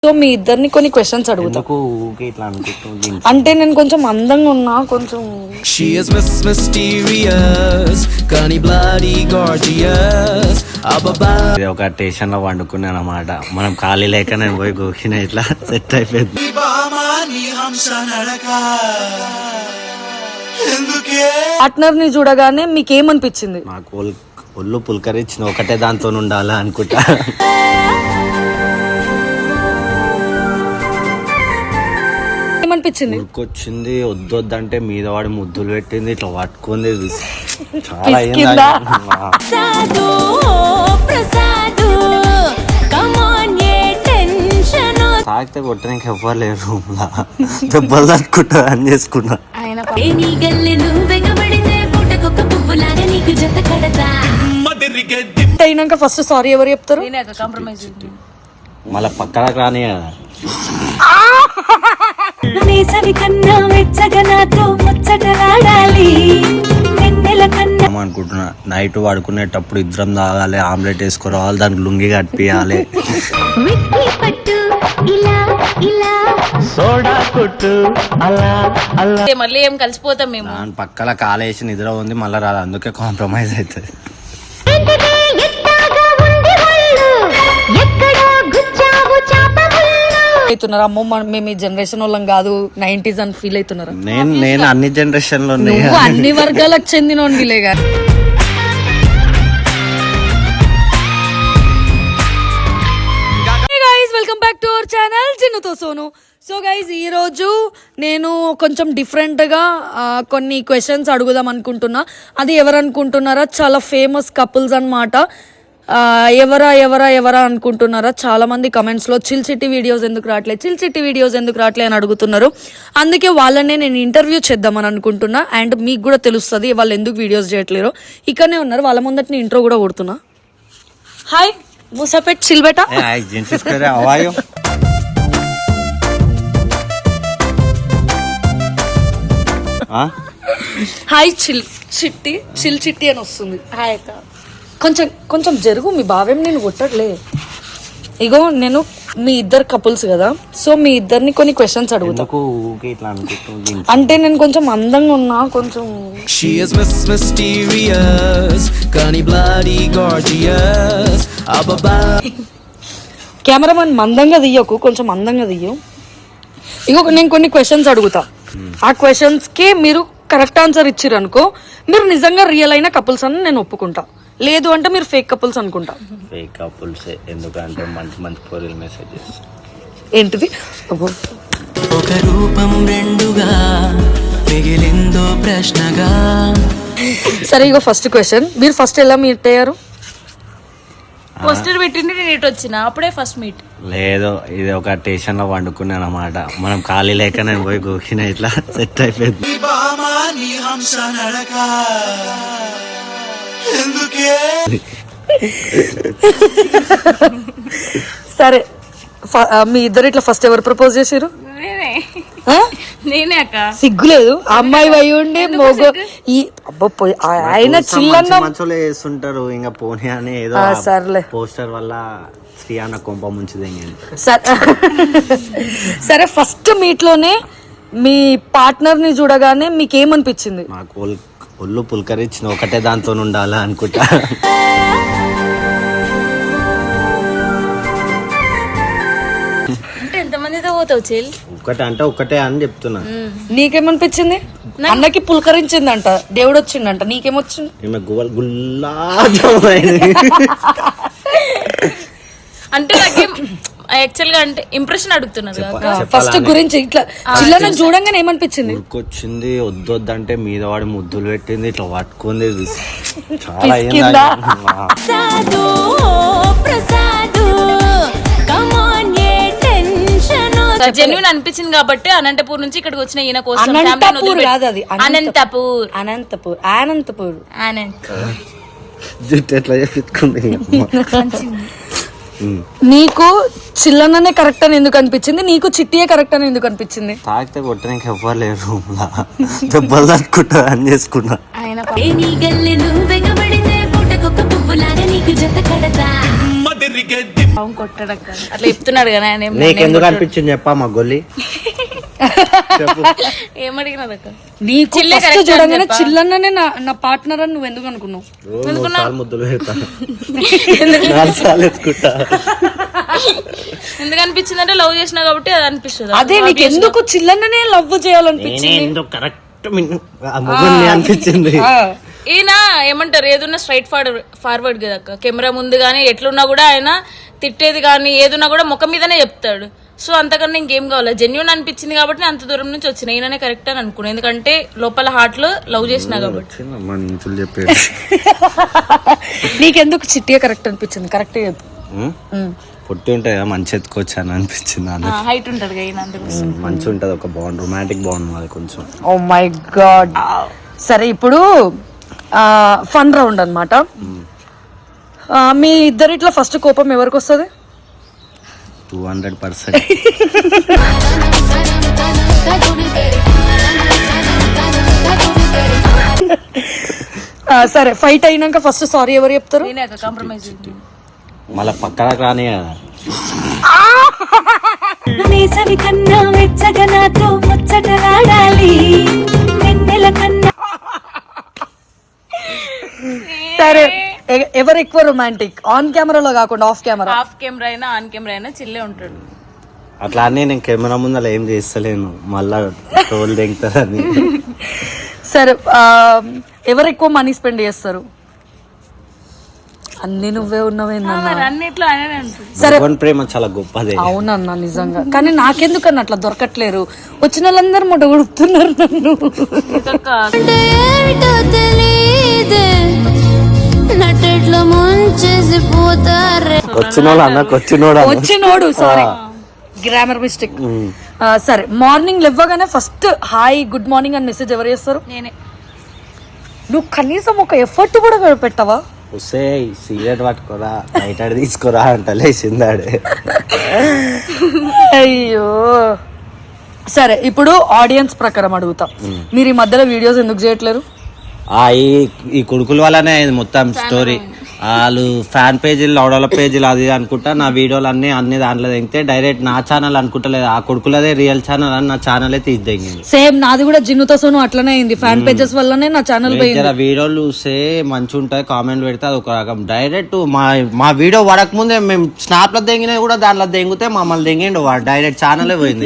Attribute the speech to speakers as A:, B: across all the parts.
A: So మీ ఇద్దరిని కొన్ని questions అడుగుతా. అంటే నేను కొంచెం అందంగా ఉన్నా, కొంచెం
B: ఒక స్టేషన్ లో వండుకున్నాను అన్నమాట. మనం ఖాళీ లేక నేను పోయి గోకిన ఇట్లా సెట్ అయిపోయింది.
A: పార్ట్నర్ ని చూడగానే మీకేమనిపించింది?
B: నాకు ఒళ్ళు పులకరించిన ఒకటే దాంతో ఉండాలా అనుకుంటా.
A: ఏమనిపించింది?
B: ఉరికొచ్చింది, వద్దొద్దంటే మీద వాడి ముద్దులు పెట్టింది, ఇట్లా పట్టుకుంది. చాలా తాగితే కొట్టడానికి ఎవ్వరు లేరు రూమ్ లా. దెబ్బలు తట్టుకుంటా అని చేసుకున్నా.
A: అయినాక ఫస్ట్ సారీ ఎవరు చెప్తారు?
B: మళ్ళా పక్కన రాని అనుకుంటున్నా. నైట్ పడుకునేటప్పుడు ఇద్దరం తాగాలి, ఆమ్లెట్ వేసుకోవాలి, దానికి లుంగి కట్టియాలి.
C: మళ్ళీ ఏం కలిసిపోతాం మేము.
B: దాని పక్కల కాలేసి నిద్ర ఉంది, మళ్ళీ రాదు. అందుకే కాంప్రమైజ్ అవుతుంది.
A: అవుతున్నారు అమ్మో మేము ఈ జనరేషన్ వాళ్ళం కాదు, 90s అని ఫీల్ అవుతున్నారు.
B: నేను అన్ని జనరేషన్ లో
A: అన్ని వర్గాలకు చెందిన గారు. Welcome back to our channel చిన్నుతో సోను. సో గైజ్ ఈ రోజు నేను కొంచెం డిఫరెంట్గా కొన్ని క్వశ్చన్స్ అడుగుదాం అనుకుంటున్నా. అది ఎవరు అనుకుంటున్నారా? చాలా ఫేమస్ కపుల్స్ అన్నమాట. ఎవరా అనుకుంటున్నారా? చాలా మంది కమెంట్స్ లో చిల్ చిట్టి వీడియోస్ ఎందుకు రావట్లేదు అని అడుగుతున్నారు. అందుకే వాళ్ళనే నేను ఇంటర్వ్యూ చేద్దామని అనుకుంటున్నా. అండ్ మీకు కూడా తెలుస్తుంది వాళ్ళు ఎందుకు వీడియోస్ చేయట్లేరు. ఇక్కడనే ఉన్నారు, వాళ్ళ ముందట ఇంట్రో కూడా కొడుతున్నా. హాయ్ మూసాపేట్ చిల్ బేటా. హాయ్ చిల్ చిట్టి అని వస్తుంది. హాయ్ అక్క. కొంచెం జరుగు, మీ బావేం నేను కొట్టట్లే. ఇగో నేను మీ ఇద్దరు కపుల్స్ కదా, సో మీ ఇద్దరిని కొన్ని క్వశ్చన్స్ అడుగుతా. అంటే నేను కొంచెం అందంగా ఉన్నా, కొంచెం కెమెరామన్ మందంగా తీయకు, కొంచెం అందంగా తీయు. ఇగో నేను కొన్ని క్వశ్చన్స్ అడుగుతా. ఆ క్వశ్చన్స్ కి మీరు కరెక్ట్ ఆన్సర్ ఇచ్చిర్రు అనుకో, మీరు నిజంగా రియల్ అయిన కపుల్స్ అని నేను ఒప్పుకుంటా. లేదు అంటే మీరు ఫేక్ కపుల్స్ అనుకుంటా.
B: ఫేక్ కపుల్స్ ఎందుకంటే మంచి పోరీలు మెసేజెస్
A: ఏంటిది?
D: ఒక రూపం రెండుగా మిగిలిందో ప్రశ్నగా.
A: సరే ఇగో ఫస్ట్ క్వశ్చన్, మీరు ఫస్ట్ ఎలా మీట్ అయ్యారు?
C: పోస్టర్ పెట్టింది నేను ఇటు వచ్చిన అప్పుడే ఫస్ట్ మీట్.
B: లేదు, ఇది ఒక స్టేషన్ లో వండుకున్నాను అన్నమాట. మనం ఖాళీ లేక నేను పోయి గోకిన ఇట్లా సెట్ అయిపోయింది.
A: సరే మీ ఇద్దరు ఇట్లా ఫస్ట్ ఎవరు ప్రపోజ్ చేసారు?
C: నేనే అక్క.
A: సిగ్గులేదు అమ్మాయి అయి ఉండి మోగ ఈ ఆయన చిల్లన్న
B: మంచోలే చేస్తుంటారు. ఇంకా పోనీ అని ఏదో
A: సర్లే
B: పోస్టర్ వల్ల శ్రీ అన్న కొంప ముంచుది.
A: సరే ఫస్ట్ మీట్ లోనే మీ పార్ట్నర్ ని చూడగానే మీకేమనిపించింది?
B: నాకు ఒళ్ళు పులకరించిన ఒకటే దాంతో ఉండాలా అనుకుంటా.
C: అంటే ఎంతమందితో పోతావు చెల్?
B: ఒకటే అని చెప్తున్నా.
A: నీకేమనిపించింది? అన్నకి పులకరించిందంట, దేవుడు వచ్చిందంట, నీకేమొచ్చింది?
C: అంటే యాక్చువల్ గా అంటే ఇంప్రెషన్ అడుగుతున్నారు.
A: ఫస్ట్ గురించి ఇట్లా చిల్లన చూడంగానే ఏమనిపించింది?
B: ఉరికొచ్చింది, వద్దొద్దంటే మీద వాడి ముద్దులు పెట్టింది, ఇట్లా పట్టుకుంది. చాలా
C: జెన్యూన్ అనిపించింది కాబట్టి అనంతపూర్ నుంచి ఇక్కడికి వచ్చిన ఈయన కోసం.
A: అనంతపూర్ కాదు, అది అనంతపూర్.
B: జుట్టు ఎట్లా చెప్పుకుంది.
A: నీకు చిల్లననే కరెక్ట్ అని ఎందుకు అనిపించింది? నీకు చిట్టియే కరెక్ట్ అని ఎందుకు అనిపించింది?
B: తాగితే కొట్టడానికి ఎవ్వరు లేరు రూమ్ లా. దెబ్బలు తట్టుకుంటా అని చేసుకున్నా.
C: అవును కొట్టాడక్క అట్లా చెప్తున్నాడు కదా ఆయన
B: నీకెందుకు అనిపించింది చెప్పా మా గొల్లి
C: ఏమడిగినదక్క
A: నీకు
C: చిల్లే
A: first
C: correct
A: చూడగానే
C: అని చెప్పా.
A: చిల్లన్ననే నా పార్ట్నర్ అని నువ్వు ఎందుకు అనుకున్నావు?
B: రోజు ముద్దులు పెడతా 4 సార్లు ఎత్తుకుంటా.
C: ఎందుకు అనిపించింది అంటే లవ్ చేసినా కాబట్టి అది అనిపిస్తుంది
A: అదే నీకు ఎందుకు చిల్లన్ననే లవ్ చేయాలనిపించింది?
B: నేనే ఎందుకు కరెక్ట్ మొగుల్ని అనిపించింది.
C: ఈయన ఏమంటారు ఏదున్నా స్ట్రైట్ ఫార్వర్డ్ కదా అక్క. కెమెరా ముందు గానీ ఎట్లున్నా కూడా ఆయన తిట్టేది కానీ ఏదున్నా కూడా ముఖం మీదనే చెప్తాడు. సో అంతకన్నా ఇంకేం కావాలి, జెన్యూన్ అనిపించింది కాబట్టి అంత దూరం నుంచి వచ్చిన ఈయననే కరెక్ట్ అని అనుకున్నాను. ఎందుకంటే లోపల హార్ట్ లో లవ్ చేసినా కాబట్టి.
B: చెప్పేది
A: నీకెందుకు చిట్టిగా కరెక్ట్ అనిపించింది? కరెక్ట్ చెప్పు.
B: పొట్టి ఉంటాయి కదా మంచి ఎత్తుకోవచ్చు అని అనిపించింది.
C: హైట్ ఉంటాడు కదా ఈయన అందుకోసం.
B: మంచి ఉంటది ఒక బాండ్, రొమాంటిక్ బాండ్ అది కొంచెం.
A: Oh my god. సరే ఇప్పుడు ఫన్ రౌండ్ అన్నమాట. మీ ఇద్దరిట్లో ఫస్ట్ కోపం ఎవరికి వస్తుంది?
B: 200%.
A: సరే ఫైట్ అయినాక ఫస్ట్ సారీ ఎవరు చెప్తారు?
C: నేనే అక్క కాంప్రమైజ్.
B: మళ్ళా పక్కన రాని కదా.
E: వేసవి కన్నా వెచ్చగా నాతో ముచ్చటలాడాలి వెన్నెల కన్నా.
A: సరే ఎవరు ఎక్కువ రొమాంటిక్? ఆన్ కెమెరాలో కాకుండా ఆఫ్ కెమెరా.
C: ఆఫ్ కెమెరా అయినా ఆన్ కెమెరా అయినా చిల్లే ఉంటాడు.
B: అట్లా అని నేను కెమెరా ముందర ఏం చేస్తలేను, మళ్ళా టోల్ దిగుతారని.
A: సరే ఎవరు ఎక్కువ మనీ స్పెండ్ చేస్తారు? అన్ని నువ్వే ఉన్నావేందన్నా?
C: మరి అన్నిట్లో ఆయననే ఉంటుంది.
A: సరే
B: భగవాన్ ప్రేమ చాలా గొప్పదే.
A: అవునన్నా నిజంగా. కానీ నాకెందుకన్నా అట్లా దొరకట్లేరు? వచ్చిన వాళ్ళందరూ మొట్ట కొడుతున్నారు నన్ను.
E: ఏమిటో తెలియదే నట్టెట్లో ముంచేసి పోతారే.
B: వచ్చిన వాళ్ళు అన్నకు
A: వచ్చినోడు సారీ గ్రామర్ మిస్టేక్. సరే మార్నింగ్ లేవగానే ఫస్ట్ హాయ్ గుడ్ మార్నింగ్ అని మెసేజ్ ఎవరు చేస్తారు?
C: నేనే.
A: నువ్వు కనీసం ఒక ఎఫర్ట్ కూడా పెట్టవా?
B: వస్తే సిగరెట్ పట్టుకోరా బయట తీసుకోరా అంట లేచిందాడే.
A: అయ్యో. సరే ఇప్పుడు ఆడియన్స్ ప్రకారం అడుగుతా, మీరు ఈ మధ్యలో వీడియోస్ ఎందుకు చేయట్లేరు?
B: ఈ కొడుకుల వల్లనే అయింది మొత్తం స్టోరీ. వాళ్ళు ఫ్యాన్ పేజీలు లౌడల పేజీలు అది అనుకుంటా నా వీడియోలు అన్ని దాంట్లో దిగితే డైరెక్ట్ నా ఛానల్ అనుకుంటలేదు, ఆ కొడుకులదే రియల్ ఛానల్ అని నా ఛానల్ తీసిదింది.
A: సేమ్ నాది కూడా జిన్నుతో సోను అట్లనే అయింది. ఫ్యాన్ పేజెస్ వల్లనే నా ఛానల్ పోయింది.
B: వీడియోలు చూస్తే మంచి ఉంటాయి, కామెంట్ పెడితే అది ఒక రకం. డైరెక్ట్ మా వీడియో పడక ముందే మేము స్నాప్ లో దిగినా కూడా దాంట్లో దిగితే మమ్మల్ని దిగిండు వాడు, డైరెక్ట్ ఛానలే పోయింది.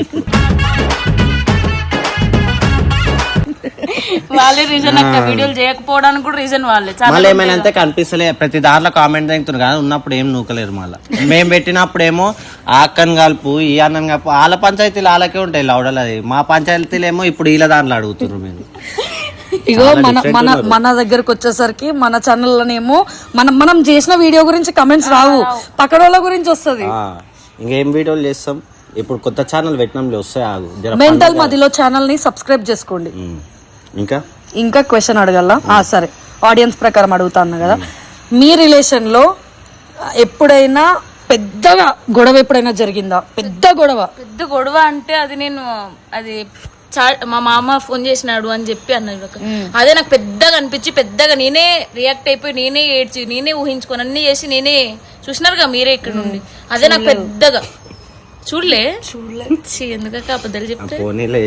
C: వాళ్ళే రీజన్ అక్క, వీడియోలు చేయకపోవడానికి కూడా రీజన్ వాళ్ళే.
B: మళ్ళీ ఏమైనా అంతే కనిపిస్తలే, ప్రతి దాంట్లో కామెంట్ దిగుతున్నారు కదా, ఉన్నప్పుడు ఏం నూకలేరు. మళ్ళీ మేము పెట్టినప్పుడు ఏమో ఆ అక్కని కలుపు ఈ అన్నని కలుపు, వాళ్ళ పంచాయతీలు వాళ్ళకే ఉంటాయి లౌడలు. అది మా పంచాయతీలు ఏమో ఇప్పుడు వీళ్ళ దాంట్లో అడుగుతున్నారు మీరు.
A: ఇగో మన దగ్గరకు వచ్చేసరికి మన ఛానల్లోనేమో మనం చేసిన వీడియో గురించి కమెంట్స్ రావు, పక్కన వాళ్ళ గురించి వస్తుంది.
B: ఇంకేం వీడియోలు చేస్తాం ఇప్పుడు, కొత్త ఛానల్ పెట్టినాంలో వస్తాయి. ఆగు
A: మెంటల్ మదిలో ఛానల్ ని సబ్స్క్రైబ్ చేసుకోండి. ఇంకా క్వశ్చన్ అడగల. సరే ఆడియన్స్ ప్రకారం అడుగుతా అన్నా కదా, మీ రిలేషన్ లో ఎప్పుడైనా పెద్దగా గొడవ ఎప్పుడైనా జరిగిందా? పెద్ద గొడవ
C: అంటే అది నేను మా మామ ఫోన్ చేసినాడు అని చెప్పి అన్నాడు. అదే నాకు పెద్దగా అనిపించి పెద్దగా నేనే రియాక్ట్ అయిపోయి నేనే ఏడ్చి నేనే ఊహించుకొని అన్ని చేసి నేనే చూసినారుగా మీరే ఇక్కడ నుండి. అదే నాకు పెద్దగా చూడలే ఎందుకక్క అబద్ధాలు చెప్తే.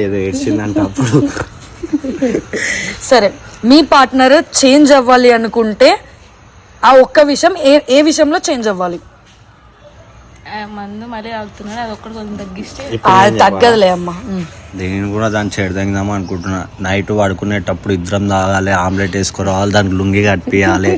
A: సరే మీ పార్ట్నర్ చేంజ్ అవ్వాలి అనుకుంటే ఆ ఒక్క విషయం ఏ విషయంలో చేంజ్ అవ్వాలి?
C: మందు మరీ ఆగుతున్నాడు, అది ఒక్కటి కొంచెం తగ్గిస్తే
A: తగ్గదులే అమ్మా.
B: నేను కూడా దాన్ని చెడదాం అనుకుంటున్నా. నైట్ పడుకునేటప్పుడు ఇద్దరం తాగాలి, ఆమ్లెట్ వేసుకోవాలి, దానికి లుంగి కట్టియాలి,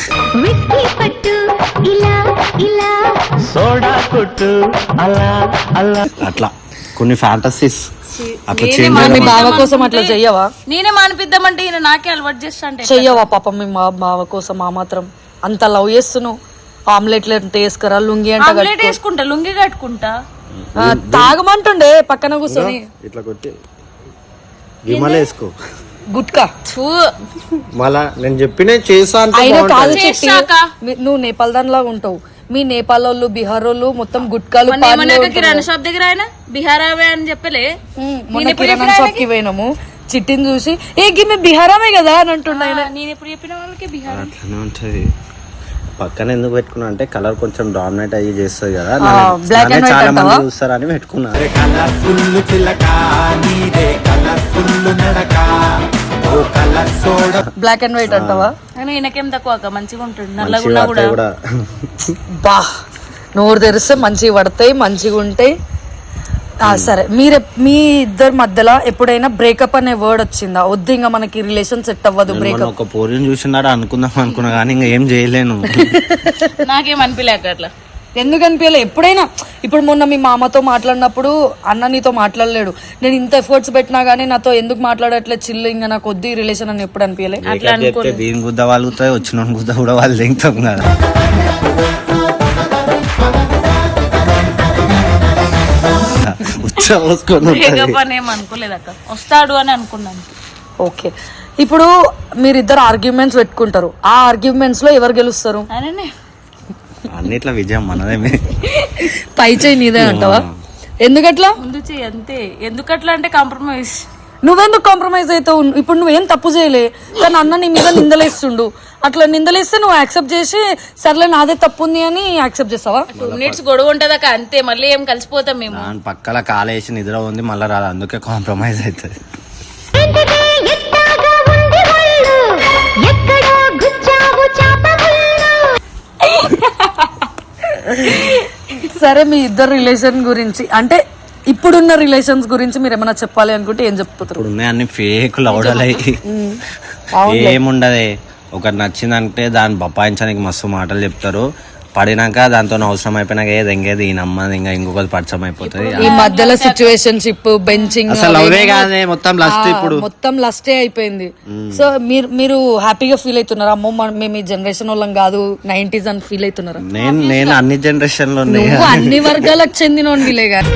B: అట్లా కొన్ని ఫ్యాంటసీస్.
A: మీ బావ కోసం అట్లా చెయ్యవా?
C: నేనే మానిపిద్దామంటే ఈయన నాకే అలవాటు చేస్తా అంటే
A: చెయ్యవా? పాపం మీ బావ కోసం ఆ మాత్రం అంత లవ్ చేస్తున్నావు. ఆమ్లెట్లు అంటే వేసుకురా, లుంగి అంటే
C: వేసుకుంటా, లుంగి కట్టుకుంటా.
A: తాగమంటుండే పక్కన కూర్చొని
B: ఇట్లా కొట్టి విమల వేసుకో
A: గుట్కా.
B: మళ్ళా నేను చెప్పిన చేసా.
A: నువ్వు నేపాల్ దానిలాగా ఉంటావు. మీ నేపాల్ వాళ్ళు బీహార్ వాళ్ళు మొత్తం గుట్కాలు.
C: కిరాణా షాప్ దగ్గర ఆయన బీహారామే అని చెప్పలే.
A: మొన్న కిరాణా షాప్ కి పోయినాము, చిట్టిని చూసి ఏ గిన్నె బీహారామే కదా అని అంటున్నా.
C: నేను ఎప్పుడు చెప్పిన వాళ్ళకి బీహార్
B: అట్లనే ఉంటది. పక్కన ఎందుకు పెట్టుకున్నా అంటే కలర్ కొంచెం డామినేట్ అయ్యి చేస్తుంది కదా,
A: black and white
B: చాలా మంది
A: అంటావా?
B: చూస్తారని పెట్టుకున్నా.
A: బ్లాక్ అండ్ వైట్ అంటావా?
C: కానీ ఈయనకేం తక్కువ అక్క, మంచిగా ఉంటుంది నల్లగున్నా కూడా.
B: కూడా
A: బా నోరు తెరిస్తే మంచిగా పడతాయి, మంచిగా ఉంటాయి. సరే, మీ ఇద్దరి మధ్యలో ఎప్పుడైనా బ్రేకప్ అనే వర్డ్ వచ్చిందా? వద్దు ఇంకా మనకి రిలేషన్ సెట్ అవ్వదు,
B: మొన్న
A: బ్రేకప్.
B: ఒక పోరిని చూసినాడు అనుకున్నా కానీ ఇంకా ఏం చేయలేను.
C: నాకేం అనిపించలేక అట్లా.
A: ఎందుకు అనిపించలే? ఎప్పుడైనా ఇప్పుడు మొన్న మీ మామతో మాట్లాడినప్పుడు అన్న నీతో మాట్లాడలేడు, నేను ఇంత ఎఫర్ట్స్ పెట్టినా గానీ నాతో ఎందుకు మాట్లాడట్లేదు, చిల్లు ఇంకా నాకు వద్దు ఈ రిలేషన్ అని ఎప్పుడు అనిపించలే?
C: అట్లా
B: చెప్తే దీని గుద్ద వాళ్ళుతాయి, వచ్చిన గుద్ద కూడా వాళ్ళు దిగుతాం కదా.
C: బ్రేకప్ అని ఏం అనుకోలేదు అక్క, వస్తాడు అని అనుకున్నాను.
A: ఓకే, ఇప్పుడు మీరిద్దరు ఆర్గ్యుమెంట్స్ పెట్టుకుంటారు, ఆ ఆర్గ్యుమెంట్స్ లో ఎవరు గెలుస్తారు?
C: అనే
B: అన్నిట్లా విజయం మనదే.
A: పై చేయి నీదే అంటావా? ఎందుకట్లా?
C: ముందు చెయ్యి అంతే. ఎందుకట్లా అంటే కాంప్రమైజ్.
A: నువ్వెందుకు కాంప్రమైజ్ అవుతావు? ఇప్పుడు నువ్వేం తప్పు చేయలే, కానీ అన్న నీ మీద నిందలేస్తుండు. అట్లా నిందలేస్తే నువ్వు యాక్సెప్ట్ చేసి సర్లే నాదే తప్పు ఉంది అని యాక్సెప్ట్ చేస్తావా?
C: 2 minutes గొడవ ఉంటది అక్క, అంతే. మళ్ళీ ఏం కలిసిపోతాం మేము.
B: దాని పక్కల కాలేసి నిద్ర ఉంది మళ్ళీ రాదు, అందుకే కాంప్రమైజ్ అవుతుంది.
A: సరే, మీ ఇద్దరు రిలేషన్ గురించి అంటే ఇప్పుడున్న రిలేషన్స్ గురించి మీరు ఏమైనా చెప్పాలి అనుకుంటే ఏం చెప్తారు?
B: ఇప్పుడు ఉన్నాయి అన్ని ఫేక్ లౌడలై, ఏముండదే. ఒకటి నచ్చిందంటే దాన్ని బపాయించడానికి మస్తు మాటలు చెప్తారు, పడినాక దాంతో అవసరం అయిపోయినాక ఏది ఎంగేది ఈ నమ్మది ఇంకా ఇంకొకటి పరిచయం అయిపోతుంది.
A: ఈ మధ్యలో సిచ్యువేషన్షిప్, బెంచింగ్,
B: అసలు లవ్వే కాదే, మొత్తం లస్ట్. ఇప్పుడు
A: మొత్తం లస్టే అయిపోయింది. సో మీరు హ్యాపీగా ఫీల్ అవుతున్నారా? అమ్మో మేము ఈ జనరేషన్ వాళ్ళం కాదు, 90s అని ఫీల్ అవుతున్నారా?
B: నేను అన్ని జనరేషన్ లో
A: నువ్వు అన్ని వర్గాలకు చెందినోడివిలే కానీ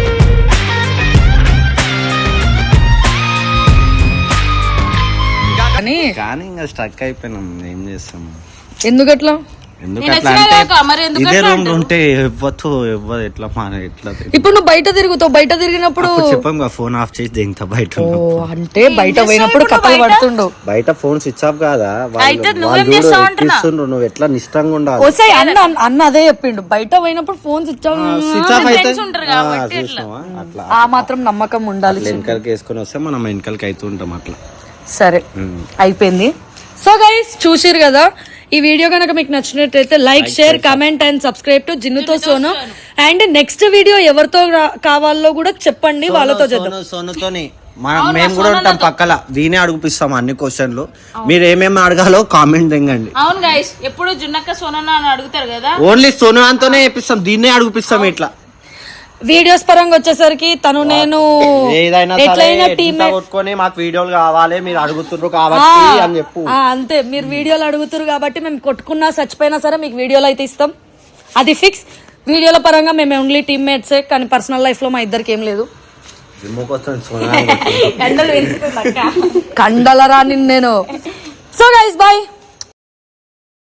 B: కానీ ఇంకా స్ట్రక్ అయిపోయినాం, ఏం చేస్తాం?
A: ఎందుకట్లా?
B: ఎందుకట్లా
C: మరి
B: అంటే ఇదే రూమ్ లో ఉంటే ఎవ్వతో ఎట్లా ఎట్లా
A: ఇప్పుడు నువ్వు బయట తిరుగుతావు, బయట తిరిగినప్పుడు
B: చెప్పాం ఫోన్ ఆఫ్ చేసి దింగతా బయట.
A: అంటే బయట పోయినప్పుడు కథలు పడుతుండు.
B: బయట ఫోన్ స్విచ్ ఆఫ్ కాదా?
C: అయితే నువ్వేం చేస్తావు అంటున్నా?
B: నువ్వు ఎట్లా నిష్టంగా ఉండాలి.
A: ఓసారి అన్న అదే చెప్పిండు, బయట పోయినప్పుడు ఫోన్ స్విచ్ ఆఫ్
B: అయితే
C: ఉంటారు కాబట్టి
B: అట్లా
A: ఆ మాత్రం నమ్మకం ఉండాలి.
B: వెనకాలకి వేసుకొని వస్తే మనం వెనకాలకి అవుతూ ఉంటాం అట్లా.
A: సరే, అయిపోయింది. సో గైస్, చూసిరు కదా, ఈ వీడియో కనుక మీకు నచ్చినట్లయితే like, share, comment and subscribe to జిన్నుతో సోను. అండ్ నెక్స్ట్ వీడియో ఎవరితో కావాలో కూడా చెప్పండి, వాళ్ళతో చేద్దాం.
B: సోనుతోని మేము కూడా ఉంటాం పక్కల, దీనే అడుగుపిస్తాం అన్ని క్వశ్చన్లు. మీరు ఏమేమి అడగాలో కామెంట్ తెంగండి.
C: అవును గైస్, ఎప్పుడు జున్నక్క సోనన్న అని అడుగుతారు కదా,
B: ఓన్లీ సోను అంతోనే చెప్పిస్తాం, దీన్నే అడుగుపిస్తాం. ఇట్లా
A: వీడియోస్ పరంగా వచ్చేసరికి తను నేను ఎట్లయినా టీమ్
B: కొట్టుకొని మాకు వీడియోలు కావాలి మీరు అడుగుతున్నారు కాబట్టి అని చెప్పు.
A: అంతే, మీరు వీడియోలు అడుగుతారు కాబట్టి మేము కొట్టుకున్నా చచ్చిపోయినా సరే మీకు వీడియోలు అయితే ఇస్తాం, అది ఫిక్స్. వీడియోల పరంగా మేము ఓన్లీ టీమ్మేట్సే, కానీ పర్సనల్ లైఫ్ లో మా ఇద్దరికి ఏం లేదు. కండలరా నేను. So guys, bye.